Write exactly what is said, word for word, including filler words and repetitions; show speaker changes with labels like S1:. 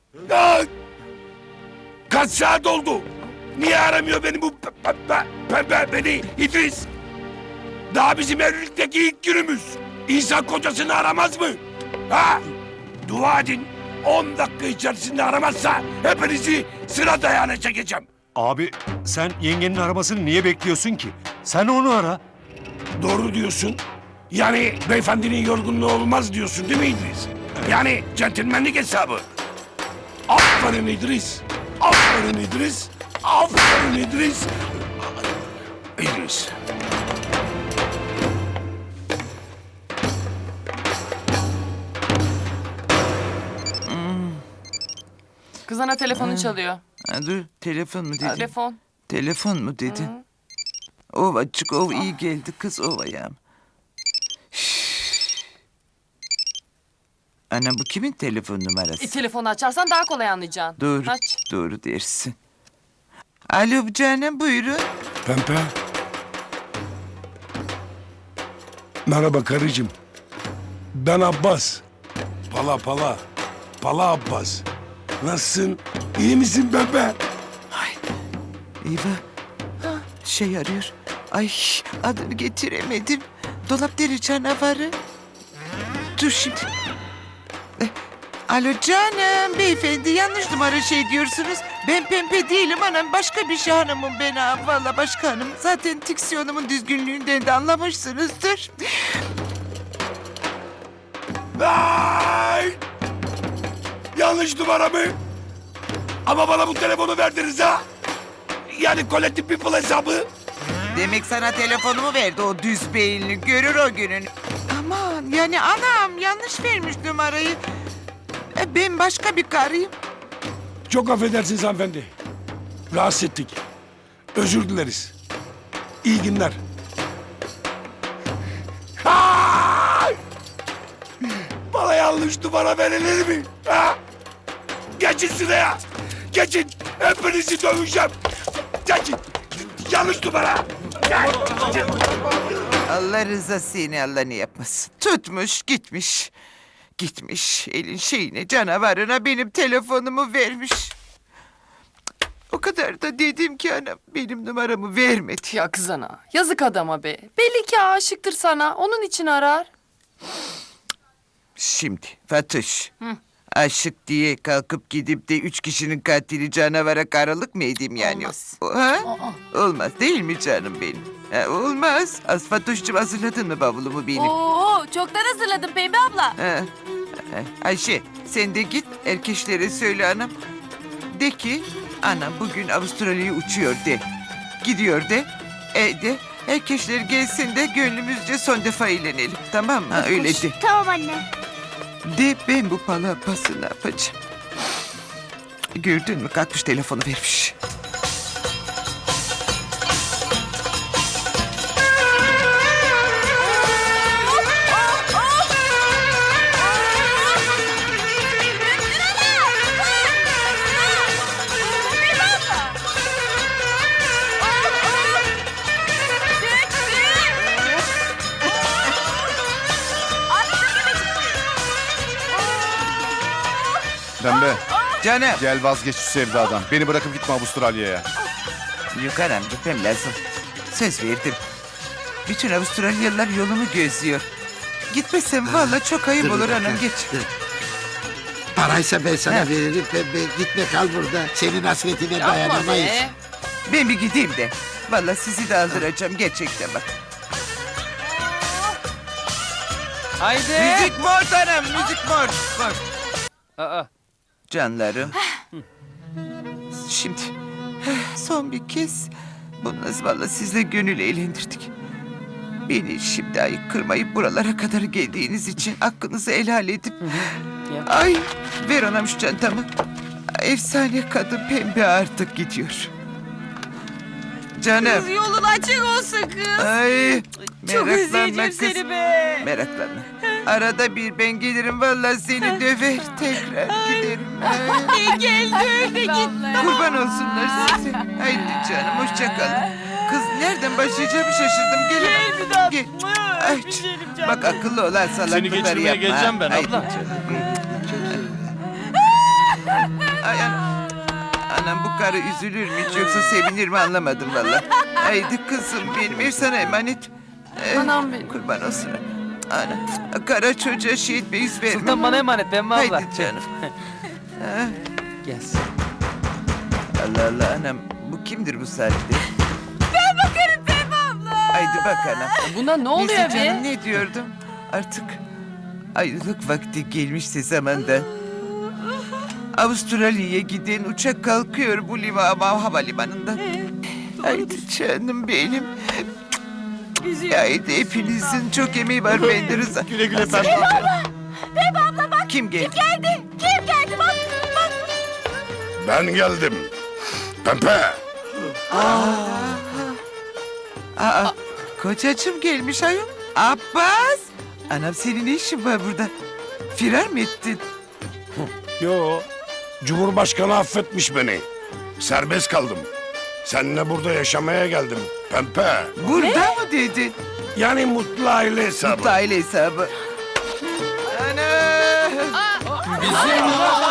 S1: Aa! Kaç saat oldu? Niye aramıyor beni bu pe- pe- pembe beni İdris? Daha bizim evlilikteki ilk günümüz. İnsan kocasını aramaz mı? Ha? Dua edin. On dakika içerisinde aramazsa hepinizi sıra dayağına çekeceğim.
S2: Abi sen yengenin aramasını niye bekliyorsun ki? Sen onu ara.
S1: Doğru diyorsun. Yani beyefendinin yorgunluğu olmaz diyorsun değil mi İdris? Yani centilmenlik hesabı. Aferin İdris. Aferin İdris. Aferin İdris. İdris.
S3: Kız ana telefonu çalıyor.
S4: Ha, dur telefon mu dedin?
S3: Telefon.
S4: Telefon mu dedin? Ovacık ov iyi geldi kız ovayam. Ana bu kimin telefon numarası?
S3: E, telefonu açarsan daha kolay anlayacaksın.
S4: Doğru,
S3: Aç.
S4: doğru dersin. Alo canım buyurun.
S1: Pempe. Merhaba karıcığım. Ben Abbas. Pala pala. Pala Abbas. Nasılsın? İyi misin Pempe?
S4: Ay, eyvah. Şey arıyor. Ay adını getiremedim. Dolap deri canavarı. Dur şimdi. Eh, Alo canım beyefendi yanlış numara şey diyorsunuz. Ben Pempe değilim anam başka bir şey hanımım ben ha. Valla başka hanım. Zaten diksiyonumun düzgünlüğünden de anlamışsınızdır.
S1: Ay! Yanlış numara mı? Ama bana bu telefonu verdiniz ha? Yani Collective People hesabı.
S4: Demek sana telefonumu verdi o düz beyinli. Görür o günün. Aman yani anam yanlış vermiş numarayı. E, ben başka bir karıyım.
S1: Çok affedersiniz hanımefendi. Rahatsız ettik. Özür dileriz. İyi günler. Ay! Bana yanlış numara verilir mi? Ha? Geçin sıraya. Geçin. Hepinizi döveceğim. Geçin. Yanlış numara. Geçin.
S4: Allah rızası yine Allah ne yapmasın. Tutmuş gitmiş. Gitmiş elin şeyine canavarına benim telefonumu vermiş. O kadar da dedim ki anam benim numaramı vermedi.
S3: Ya kız ana. Yazık adama be. Belli ki aşıktır sana. Onun için arar.
S4: Şimdi Fatoş. Aşık diye kalkıp gidip de üç kişinin katili canavara karılık mı edeyim yani?
S3: Olmaz.
S4: O, ha? Olmaz değil mi canım benim? Ha, olmaz. Az Fatoş'cum hazırladın mı bavulumu benim?
S5: Oo, çoktan hazırladım Pembe abla.
S4: Ha. Ha, Ayşe sen de git erkeklere söyle anam. De ki anam bugün Avustralya'ya uçuyor de. Gidiyor de. E de erkekler gelsin de gönlümüzce son defa eğlenelim. Tamam mı? Ha, öyle de.
S5: Tamam anne.
S4: De ben bu palapası ne yapacağım? Gördün mü kalkmış telefonu vermiş.
S6: Pembe,
S4: Canım.
S6: gel vazgeç şu sevdadan. Beni bırakıp gitme Avustralya'ya.
S4: Yukarım gitmem lazım. Söz verdim. Bütün Avustralyalılar yolumu gözlüyor. Gitmesem vallahi çok ayıp
S7: Dur bir
S4: olur
S7: dakika,
S4: hanım geç.
S7: dur. Paraysa ben sana
S4: He.
S7: veririm Pembe. Gitme kal burada. Senin hasretine
S3: Yapma
S7: dayanamayız.
S3: be.
S4: Ben bir gideyim de. Vallahi sizi de aldıracağım gerçekten bak.
S8: Haydi.
S4: Müzik mor hanım müzik mor. Mor.
S8: Aa,
S4: Canlarım. Şimdi son bir kez bunu vallahi sizle gönül eğlendirdik. Beni şimdi ayık kırmayıp buralara kadar geldiğiniz için hakkınızı helal edip...
S8: ya.
S4: Ay ver anam şu çantamı. Efsane kadın Pembe artık gidiyor. Canım.
S5: Kız yolun açık olsun kız.
S4: Ay
S5: Çok
S4: meraklanma
S5: özleyeceğim
S4: kız.
S5: seni be.
S4: Meraklanma. Arada bir ben gelirim vallahi seni döver tekrar giderim. Ay.
S5: E gel gör de git.
S4: Kurban olsunlar size. Haydi canım hoşça kalın. Kız nereden başlayacağımı şaşırdım. Gelin.
S5: Gel bir daha.
S4: Gel.
S5: Mıh,
S4: Ay,
S5: öpüşelim canım.
S4: bak akıllı olan salaklıkları yapma.
S8: geçirmeye geleceğim ben
S4: Haydi
S8: abla.
S4: canım. karı üzülür mü hiç yoksa sevinir mi anlamadım valla. Haydi kızım benim ev sana emanet. Ee,
S3: Anam benim.
S4: Kurban olsun. Ana, kara çocuğa şey etmeyiz verme.
S8: Sultan bana emanet Pembe abla.
S4: Haydi canım. Ha,
S8: Gel.
S4: Allah Allah anam bu kimdir bu saatte? Ben bakarım Pembe abla. Haydi bak anam.
S3: Buna ne oluyor
S4: Neyse canım
S3: be?
S4: ne diyordum? Artık ayrılık vakti gelmişse zamandan. Avustralya'ya giden uçak kalkıyor bu liva havalimanında. Haydi canım benim. Haydi hepinizin çok emeği var bende Rıza. Güle güle Pembe abla. Pembe abla bak. Kim geldi?
S1: Ben geldim. Pembe.
S4: Aa, kocacığım gelmiş ayol. Abbas. Anam senin ne işin var burada? Firar mı ettin?
S1: Yo. Cumhurbaşkanı affetmiş beni. Serbest kaldım. Seninle burada yaşamaya geldim. Pembe.
S4: Burada mı dedin?
S1: Yani mutlu aile hesabı.
S4: Mutlu aile hesabı. Ana!